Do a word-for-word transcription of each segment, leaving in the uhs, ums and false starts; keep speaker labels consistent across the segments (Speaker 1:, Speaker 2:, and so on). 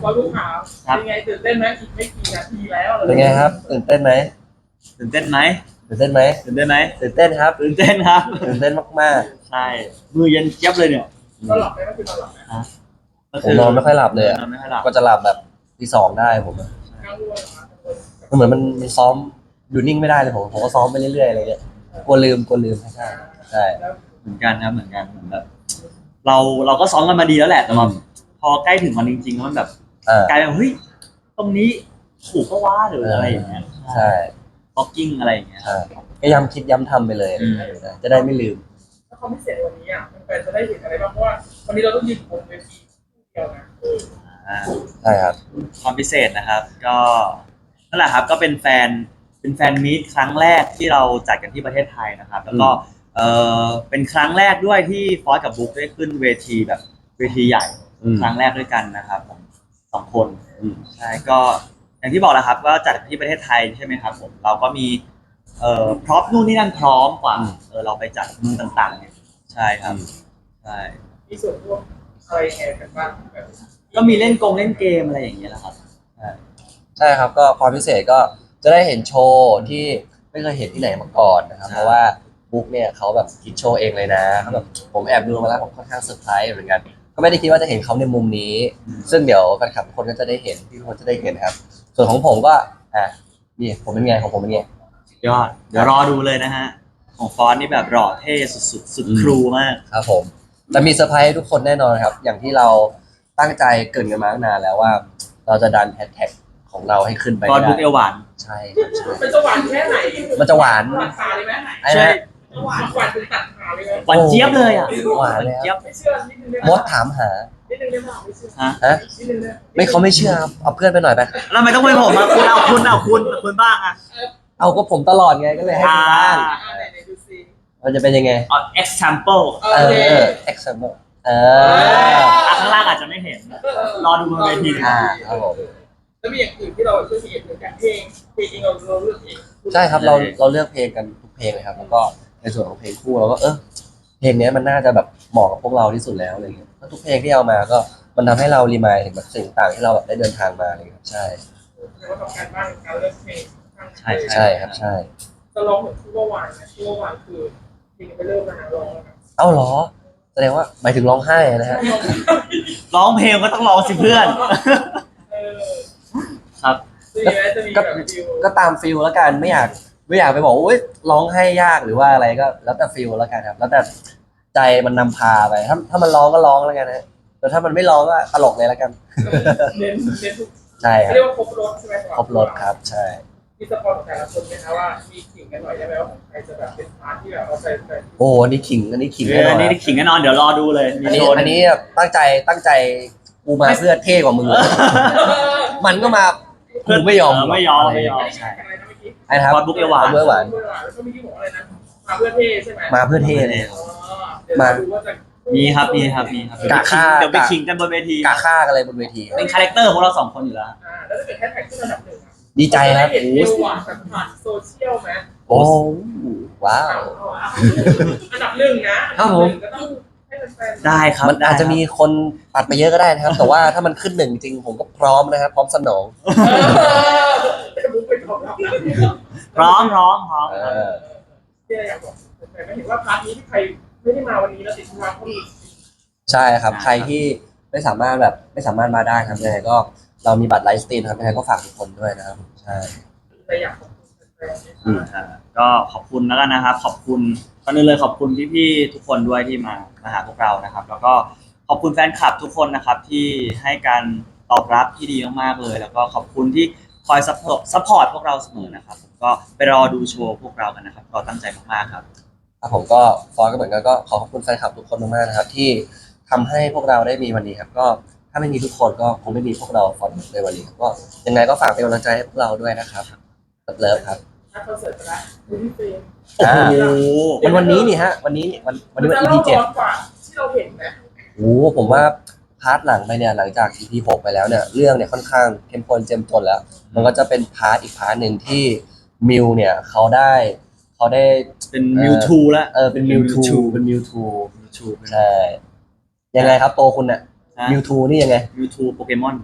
Speaker 1: บอลลูกขาวเป็นไงตื่นเต้นไหมอีกไม่กี่นาทีแล้ว
Speaker 2: เป็นไงครับตื่นเต้นไหม
Speaker 3: ตื่นเต้นไหม
Speaker 2: ตื่นเต้นไหม
Speaker 3: ตื่นเต้นไหม
Speaker 2: ตื่นเต้นครับ
Speaker 3: ตื่นเต้นครับ
Speaker 2: ตื่นเต้นมาก
Speaker 3: ใช่มือเย็นเจี๊ยบเลยเนี่ย
Speaker 1: ก็หลับไหมก็คือนอนหลับไหม
Speaker 2: ๆผมนอนไม่ค่อยหลับเลยอะ
Speaker 3: นอนไม่ค่อยหลับ
Speaker 2: ก็จะหลับแบบทีสองได้ผมอะ
Speaker 1: กังวล
Speaker 2: มันเหมือนมันมันซ้อมอยู่นิ่งไม่ได้เลยผมผมก็ซ้อมไปเรื่อยๆอะไรเงี้ยกลัวลืมกลัวลืมใช่ใช่
Speaker 3: เหมือนกันครับเหมือนกันเหมือนแบบเราเราก็ซ้อมกันมาดีแล้วแหละแต่ว่าพอใกล้ถึงวันจริงๆแล้วมันแบบ
Speaker 2: อ่าก
Speaker 3: ลายเป็นเฮ้ยตรงนี้ถูกก็ว่าหรืออะไรอย่างเงี้ย
Speaker 2: ใช่
Speaker 3: บ็อกกิ้งอะไรอย่างเงี้ย
Speaker 2: ใช่ก็ย้ำคิดย้ำทำไปเลย
Speaker 3: อืม
Speaker 2: จะได้ไม่ลืม
Speaker 1: ถ้าเขาไม่เสร็จวันนี้อ่ะมันจะได้เห็นอะไรบ้างเพราะว่าวันนี้เราต้องยืนบนเวทีเดียวนะ
Speaker 3: อ่า
Speaker 2: ใช่ครับ
Speaker 3: ความพิเศษนะครับ ก็นั่นแหละครับก็เป็นแฟนเป็นแฟนมีตครั้งแรกที่เราจัดกันที่ประเทศไทยนะครับ แล้วก็เออเป็นครั้งแรกด้วยที่ฟอสกับบุ๊กได้ขึ้นเวทีแบบเวทีใหญ่
Speaker 2: อืม
Speaker 3: ครั้งแรกด้วยกันนะครับผมสองคน
Speaker 2: อืม
Speaker 3: ใช่ก็อย่างที่บอกแหล้วครับก็จัดที่ประเทศไทยใช่ไหมครับผมเราก็มีเอ่อพร็อพนู่นนี่นั่นพร้อมกว่าเออเราไปจัดเมืองต่างๆเนี่ยใช่ครับใช่
Speaker 1: มีส่วนร่วมอะไรยังไงกันบ้างแบบ
Speaker 3: ก็มีเล่นกงเล่นเกมอะไรอย่างเงี้ยแหละครับใช่
Speaker 2: ใช่ครับก็ความพิเศษก็จะได้เห็นโชว์ที่ไม่เคยเห็นที่ไหนมาก่อนนะครับเพราะว่าบุ๊กเนี่ยเขาแบบคิดโชว์เองเลยนะเขาแบบผมแอบดูมาแล้วผมค่อนข้างเซอร์ไพรส์เหมือนกันก็ไม่ได้คิดว่าจะเห็นเขาในมุมนี้ ซึ่งเดี๋ยวแฟนคลับทุกคนก็จะได้เห็นพี่ทุกคนจะได้เห็นครับ ส่วนของผมก็อ่ะนี่ผมเป็นไงของผมเป็นไง
Speaker 3: ยอดเดี๋ยวรอดูเลยนะฮะของฟอนต์นี่แบบหล่อเท่สุดๆสุดครูมาก
Speaker 2: ครับผมจะมีเซอร์ไพรส์ให้ทุกคนแน่นอนครับ อย่างที่เราตั้งใจเกรินกันมาตั้งนานแล้วว่า เราจะดันแฮชแท็กของเราให้ขึ้นไป
Speaker 3: ฟอนต์
Speaker 2: ได้
Speaker 3: บุ๊กเอวหวาน
Speaker 2: ใช่ครับใช่
Speaker 1: มันจะหวานแค่ไหน
Speaker 2: มันจะหวาน
Speaker 1: หวานขาเลยไหม
Speaker 2: ไอ้
Speaker 3: ใช่
Speaker 2: นะ
Speaker 1: หวานหวานเป็นตัดขาเลยไหม
Speaker 3: หวานเจี๊ยบเลยอ่ะ
Speaker 2: หวานเลยค
Speaker 3: เจี๊ย
Speaker 2: รับบ
Speaker 1: ไม่เชื่อนิดนึงได้ไห
Speaker 2: มดถามหา
Speaker 1: นิดนึงได้ไหมไม่เชื่อ
Speaker 3: ฮะ
Speaker 2: ฮะ
Speaker 1: นิดนึงได้
Speaker 2: ไม่เขาไม่เชื่อครับเอาเพื่อนไปหน่อยไป
Speaker 3: แล้วทำไมต้องเป็นผมอ่ะคุณเอาคุณเอาคุณคุณบ้างอ่ะ
Speaker 2: เอาก็ผมตลอดไงก็เลยให้คุณบ้าง
Speaker 1: อ่าไหนไหนดูซิ
Speaker 2: มันจะเป็นยังไง
Speaker 3: เอา example
Speaker 1: โอ
Speaker 2: เอ
Speaker 1: เค
Speaker 2: อ example เออ
Speaker 3: อ่ะข้างล่างอาจจะไม่เห็น รอดูบนเวที
Speaker 2: อ่าครับผม
Speaker 1: แล้วมีอย่างอื่นที่เราช่วยเหมือนกันเพลงเพลงเองเราเราเลือกเอง
Speaker 2: ใช่ครับเราเราเลือกเพลงกันทุกเพลงเลยครับ แล้วก็ในส่วนของเพลงคู่เราก็เออเพลงเนี้ยมันน่าจะแบบเหมาะกับพวกเราที่สุดแล้วอะไรเงี้ยก็ทุกเพลงที่เอามาก็มันทำให้เรารีมายถึงแบบสิ่งต่างที่เราแบบได้เดินทางมาอะไรเงี้ยใช่
Speaker 1: แต่ว่าทำการบ้านการเลือกเพลง
Speaker 3: ใช่
Speaker 2: ใช่ครับใช่
Speaker 1: จะร้องเหมือนที่เมื่อวานนะที่เมื่อวานคือเพลงไปเริ่มมาร้องแล้วนะ
Speaker 2: เอ้าเหรอแสดงว่าหมายถึงร้องไห้นะฮะ
Speaker 3: ร้องเพลงก็ต้องร้องสิเพื่อน
Speaker 1: เออ
Speaker 3: ครับ
Speaker 1: จะมีไหมจะมีแบบฟิว
Speaker 2: ก็ตามฟิลแล้วกันไม่อยากไม่อยากไปบอกว่าอุ๊ยร้องไห้ยากหรือว่าอะไรก็แล้วแต่ฟิลแล้วกันครับ แล้วแต่ใจมันนำพาไปถ้าถ้ามันร้องก็ร้องแล้วกันนะแต่ถ้ามันไม่ร้องก็ตลกเลยแล้วกัน
Speaker 1: เน้นเน้นทุก
Speaker 2: ใช่ครับ
Speaker 1: เรียกว่าครบรถใช่ไหม
Speaker 2: ครบรถครับใช่
Speaker 1: มีสปอนของแต่ละคนไหมคะว่ามีขิงกันหน่อยได้ไหมว่าของใครจะแบบเป็นพาร์ทที่แบบเราใส่ใส่
Speaker 2: โอ้อันนี้ขิงอันนี้ขิง
Speaker 3: เอ
Speaker 2: แน่
Speaker 3: อน
Speaker 2: อน
Speaker 3: นี่
Speaker 2: ครับ
Speaker 3: ขิงแน่นอนเดี๋ยวรอดูเลยมี
Speaker 2: อันนี้
Speaker 3: โชว์
Speaker 2: อันนี้ตั้งใจตั้งใจกูมาเพื่อเท่กว่ามึงเลยมันก็มากูไม่ยอม
Speaker 3: เไม่ยอมไม่ยอม
Speaker 1: อันนี้แข่งอะไรนะเมื่อกี้
Speaker 2: ไอ้นะครับ
Speaker 3: ฟอนต์บุ๊กเอวหวาน
Speaker 2: เมื่อหวาน
Speaker 1: เมื่อวานแล้วก็เมื่อกี้บอกอะไรนะมาเพื่อเท่ใช่ไหม
Speaker 2: มาเพื่อเท่เลย
Speaker 1: อ๋อเดี๋ยวเราดูว่าจะ
Speaker 3: มีครับมีครับมีครับ
Speaker 2: กะฆ่า
Speaker 3: เดี๋ยวไปขิงกันบนเวที
Speaker 2: กาฆ่ากันเลยบนเวที
Speaker 3: เป็นคาแรคเตอร์ของเราสองคนอยู่แล้ว
Speaker 1: อ่าแล้วถ้าเกิดแฮชแท็กขึ้นระดับหนึ่งอะ
Speaker 2: ดีใจครับ
Speaker 1: เห็น
Speaker 2: โอ้
Speaker 1: เอ
Speaker 2: โห
Speaker 1: วหวานแบบผ่านโซเชียลไหม
Speaker 2: โอ้ว้าว
Speaker 1: อันดับหนึ่งนะครับ
Speaker 2: ผม
Speaker 1: อันดับหนึ่งก็ต้องให้แฟนๆ
Speaker 3: ได้ครับ
Speaker 2: มันอาจจะมีคนปัดไปเยอะก็ได้นะครับ แต่ว่าถ้ามันขึ้นหนึ่งจริงผมก็พร้อมนะครับ พร้อมสนอง
Speaker 1: เออแต่บุ๊กไปตอบรับ
Speaker 3: พร้อมพร้อมพร้อม
Speaker 2: เออ
Speaker 1: ที่เราอยากบอกแต่ไม่เห็นว่าพาร์ทนี้ที่ใครไม่ได้มาวันนี้แล้วติดธุระเขามี
Speaker 2: ใช่ครับ ใครที่ไม่สามารถแบบไม่สามารถมาได้ครับยังไงก็เรามีบัตรไลฟ์สตรีมครับยังไงก็ฝากทุกคนด้วยนะครับใช่
Speaker 1: แต่อยากขอบคุณแฟนๆ
Speaker 2: อืม
Speaker 3: อ่าก็ขอบคุณแล้วกันนะครับ ขอบคุณก่อนอื่นเลยขอบคุณพี่ๆทุกคนด้วยที่มามาหาพวกเรานะครับ แล้วก็ขอบคุณแฟนคลับทุกคนนะครับที่ให้การตอบรับที่ดีมากๆเลย แล้วก็ขอบคุณที่คอยซัพพอร์ตซัพพอร์ตพวกเราเสมอนะครับผมก็ไปรอดูโชว์พวกเรากันนะครับเราตั้งใจมากๆครับ
Speaker 2: ครับผมก็ฟอนก็เหมือนกันก็ขอขอบคุณแฟนคลับทุกคนมากๆนะครับ ที่ทำให้พวกเราได้มีวันนี้ครับ ก็ถ้าไม่มีทุกคนก็คงไม่มีพวกเราฟอนในวันนี้ครับก็ยังไงก็ฝากเป็นกำลังใจให้พวกเราด้วยนะครับเลิฟครับ
Speaker 1: ถ้าคอนเสิร์ตไปแล้วดูที่เฟรม
Speaker 2: อ่า
Speaker 3: โอ้โห
Speaker 2: มันวันนี้นี่ฮะ วันนี้นี่วันวันนี้วัน อี พี เจ็ด
Speaker 1: ร้อนกว่าที่เราเห็นนะ
Speaker 2: โอ้โหผมว่าพาร์ทหลังไปเนี่ยหลังจาก อี พี หกไปแล้วเนี่ยเรื่องเนี่ยค่อนข้างเข้มข้นเจ้มจนแล้ว มันก็จะเป็นพาร์ทอีกพาร์ทหนึ่งที่มิวเนี่ยเขาได้เขาได้
Speaker 3: เป็นมิวทูแล้ว
Speaker 2: เออเป็นมิวทูเป็นมิวทู
Speaker 3: มิวทู
Speaker 2: ใช่ยังไงครับโตคุณเนี่ย
Speaker 3: ใช่
Speaker 2: มิวทูนี่ยังไง
Speaker 3: มิวทูโปเกมอน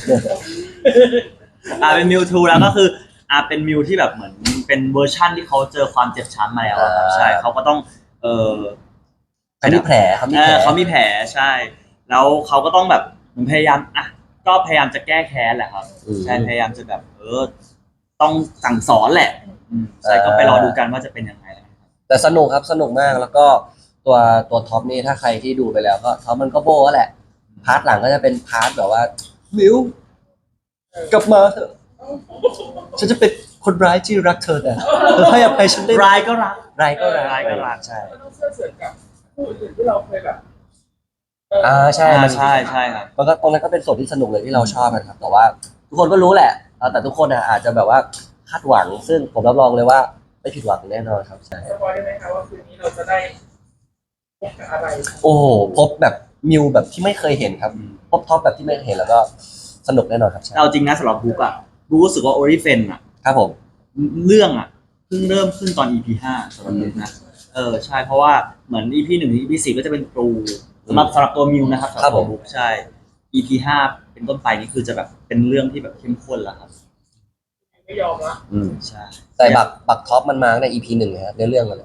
Speaker 3: อ่าเป็นมิวทูแล้วก็คืออ่าเป็นมิวที่แบบเหมือนเป็นเวอร์ชั่นที่เขาเจอความเจ็บช้ำมาแล้วอะครับ
Speaker 2: อ่า
Speaker 3: ใช่เขาก็ต้องเออ
Speaker 2: เขามีแผลเขามี
Speaker 3: เอ
Speaker 2: แผล
Speaker 3: อเขามีแผลใช่ แล้วเขาก็ต้องแบบเหมือนพยายามอ่ะก็พยายามจะแก้แค้นแหละครับ
Speaker 2: อืม
Speaker 3: ใช่พยายามจะแบบเออต้องสั่งสอนแหละอืมใช่
Speaker 2: อ่า
Speaker 3: ก็ไปรอดูกันว่าจะเป็นยังไงนะครับ
Speaker 2: แต่สนุกครับสนุกมากแล้วก็ตัวตัวท็อปนี่ถ้าใครที่ดูไปแล้วก็ท็อปมันก็โบ้แหละพาร์ทหลังก็จะเป็นพาร์ทแบบว่ามิวกลับมาเถอะฉันจะเป็นคนร้ายที่รักเธอแต่เธอให้อภัยฉันได้ไหม
Speaker 3: ร้ายก็รัก
Speaker 2: ร้ายก็ร้าย
Speaker 3: ร้ายก็รัก
Speaker 2: ใช่
Speaker 1: มันต้องเชื่อเสือกับผู้อื่นที่เราเคยแบบ
Speaker 2: อ่าใช่
Speaker 3: อ่า
Speaker 2: มัน
Speaker 3: ใช่ใช่ครับ
Speaker 2: มันก็ตรงนั้นก็เป็นส่วนที่สนุกเลยที่เราชอบกันครับแต่ว่า ทุกคนก็รู้แหละเออแต่ทุกคนอ่ะอาจจะแบบว่าคาดหวัง ซึ่งผมรับรองเลยว่าไม่ผิดหวังแน่นอนครับใช่
Speaker 1: สปอยได้ไหมครับว่าคืนนี้เราจะได้พบกับอะไร
Speaker 2: โอ้โหพบแบบมิวแบบที่ไม่เคยเห็นครับ พบท็อปแบบที่ไม่เคยเห็นแล้วก็สนุกแน่นอนครับใช่
Speaker 3: เอาจริงนะสำหรับบุ๊กอะบุ๊กรู้สึกว่าโอริเฟนอะ
Speaker 2: ครับผม
Speaker 3: เรื่องอะเพิ่งเริ่มขึ้นตอน อี พี ห้าสำหรับบุ๊กนะเออใช่เพราะว่าเหมือน อี พี หนึ่งถึง อี พี สี่ก็จะเป็นครูสำหรับสำหรับตัวมิวนะครับสำหรับตัวบุ๊กใช่ อี พี ห้าเป็นต้นไปนี่คือจะแบบเป็นเรื่องที่แบบเข้มข้นแล้วครับ
Speaker 1: ไม่ยอมละ
Speaker 2: อืม
Speaker 3: ใช่
Speaker 2: แต่บักบักท็อปมันมาใน อี พี หนึ่งนะฮะในเรื่องมันเลย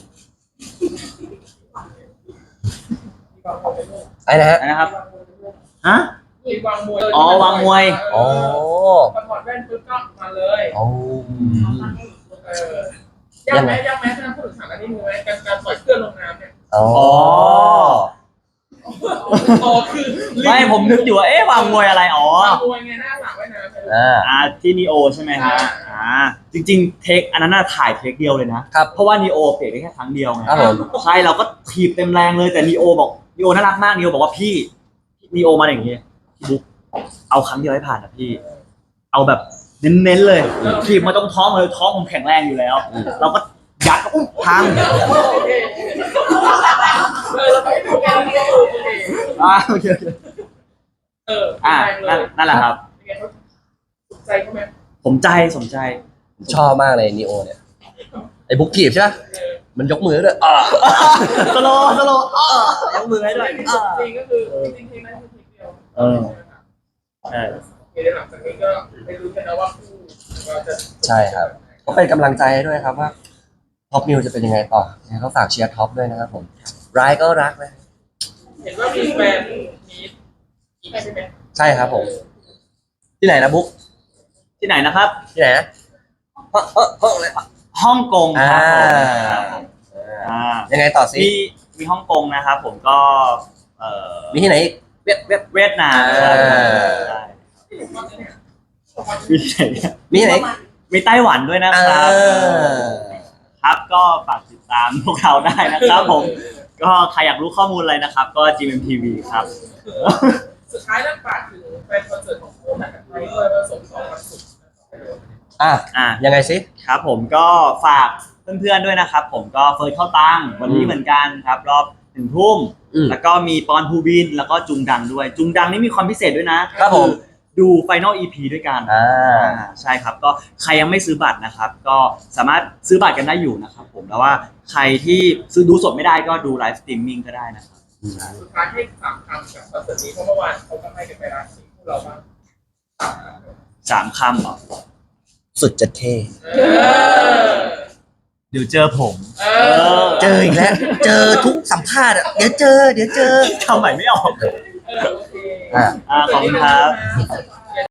Speaker 1: มีวางมวยเป็นลูก
Speaker 2: ไอ้นะฮะ
Speaker 3: นะครับ
Speaker 1: มีวางมวยเป็นลูก
Speaker 3: ฮะ
Speaker 1: มีวางมวย
Speaker 3: อ๋อวางมวย
Speaker 2: อ๋อ
Speaker 1: พอถอดแว่นปุ๊บก็มาเลย
Speaker 2: อ๋อ
Speaker 1: เออยากไหมยากไหมถ้าพูดถึงฉากอันนี้มือไหมการการปล่อยเครื่องลงน้ำเนี่ย
Speaker 2: อ๋อ
Speaker 1: อ๋อคือ
Speaker 3: ไม่ผมนึกอยู่ว่าเอ๊ะวางมวยอะไรอ๋อ
Speaker 1: วางมวยไงหน้าหลังไว้น้ำ
Speaker 2: อ่า
Speaker 3: อ่าที่นีโอใช่ไหมฮะอ่าจริงๆเทคอันนั้นน่ะถ่ายเทคเดียวเลยนะครับ เพราะว่านีโอเปลี่ยนได้แค่ครั้งเดียวไง
Speaker 2: ครับผม
Speaker 3: ใช่เราก็ถีบเต็มแรงเลยแต่นีโอบอกนีโอน่ารักมากนีโอบอกว่าพี่นีโอมาอย่างงี้พี่บุ๊กเอาครั้งเดียวให้ผ่านนะพี่ เอาแบบเน้นๆเลยถีบมาตรงท้องเลยท้องผมแข็งแรงอยู่แล้ว เราก็ยัดก็อุ้มพัง
Speaker 1: โอเคเออเราไปดูกันโอเค
Speaker 3: อ่าโอเคโอเค
Speaker 1: เออ
Speaker 3: อ่านั่นนั่นแหละครับ
Speaker 1: เป็นไงเขาถูกใจเขาไหม
Speaker 3: ผมใจสมใจ
Speaker 2: ชอบมากเลยนีโอเนี่ย ไอ้บุ๊กกีบใช่ไหม
Speaker 1: เออ
Speaker 2: มันยกมือด้วยอ่า
Speaker 3: สโลว์สโลว์อ้อยกมือให้ด้วย
Speaker 1: จริงก็คือจริงๆนั่นคือทีเดียว
Speaker 3: เออใช่
Speaker 1: เดี๋ยวหลังจากนี้ก็ไปดูกันนะว่าคู่เราจะ
Speaker 2: ใช่ครับ ก็เป็นกำลังใจให้ด้วยครับว่าท็อปมิวจะเป็นยังไงต่อเนี่ยก็ฝากเชียร์ท็อปด้วยนะครับผมร้ายก็รักนะ
Speaker 1: เห็นว่ามีแฟนมีอีกใช่ไหม
Speaker 2: ใช่ครับผม ที่ไหนนะบุ๊ก
Speaker 3: ที่ไหนนะครับ
Speaker 2: ที่ไหนนะเฮ้อเฮ้อเฮ้ออะไร
Speaker 3: ฮ่องกงค
Speaker 2: อ่า
Speaker 3: รับผมอ่า
Speaker 2: ยังไงต่อสิ
Speaker 3: มีมีฮ่องกงนะครับผมก็เอ่อ
Speaker 2: มีที่ไหนอีกเวียดเวียด
Speaker 3: เวียดนาม
Speaker 2: อ่า
Speaker 3: ใช่มีที่ไหนเนี่ย
Speaker 2: มีที่ไหนอีก
Speaker 3: มีไต้หวันด้วยนะ
Speaker 2: อ่า
Speaker 3: ครับครับก็ฝากติดตามพวกเราได้นะครับผม ก็ใครอยากรู้ข้อมูลอะไรนะครับ ก็ จี เอ็ม ที วี ครับ
Speaker 1: สุดท้ายแล้วฝากถึงแฟนคอนเสิร์ตของโค้ชนะครับไปด้วยว่าสมสองวันศุกร์
Speaker 2: อ่ะ
Speaker 3: อ่า
Speaker 2: ยังไงสิ
Speaker 3: ครับผมก็ฝากเพื่อนๆด้วยนะครับ ผมก็เฟิร์สเข้าตังวันนี้
Speaker 2: อืม
Speaker 3: เหมือนกันครับ รอบหนึ่งทุ่ม
Speaker 2: อืม
Speaker 3: แล้วก็มีปอนภูบินแล้วก็จุงดังด้วย จุงดังนี่มีความพิเศษด้วยนะครับ
Speaker 2: ผม
Speaker 3: อดูไฟนอล อี พี ด้วยกัน
Speaker 2: อ่า
Speaker 3: อ่าใช่ครับก็ใครยังไม่ซื้อบัตรนะครับ ก็สามารถซื้อบัตรกันได้อยู่นะครับผมแล้วว่าใครที่ซื้อดูสดไม่ได้ก็ดูไลฟ์สตรีมมิ่งก็ได้นะครับ
Speaker 1: สุดท้ายให้สามคำกับคอนเสิร์ตนี้เพราะเมื่อวานเขาก็ให้กันไปแล้วที่พวกเราบ้าง
Speaker 3: สามคำเหรอ
Speaker 2: สุดจะเท่
Speaker 1: เออ
Speaker 3: เดี๋ยวเจอผม
Speaker 1: เออ
Speaker 2: เจออีกแล้ว เจอทุกสัมภาษณ์อ่ะ เดี๋ยวเจอ เดี๋ยวเจอ
Speaker 3: ทำใหม่ไม่ออก
Speaker 1: เออโอเค
Speaker 2: อ่ะ
Speaker 3: อ่าขอบคุณครับ
Speaker 1: ขอบคุณ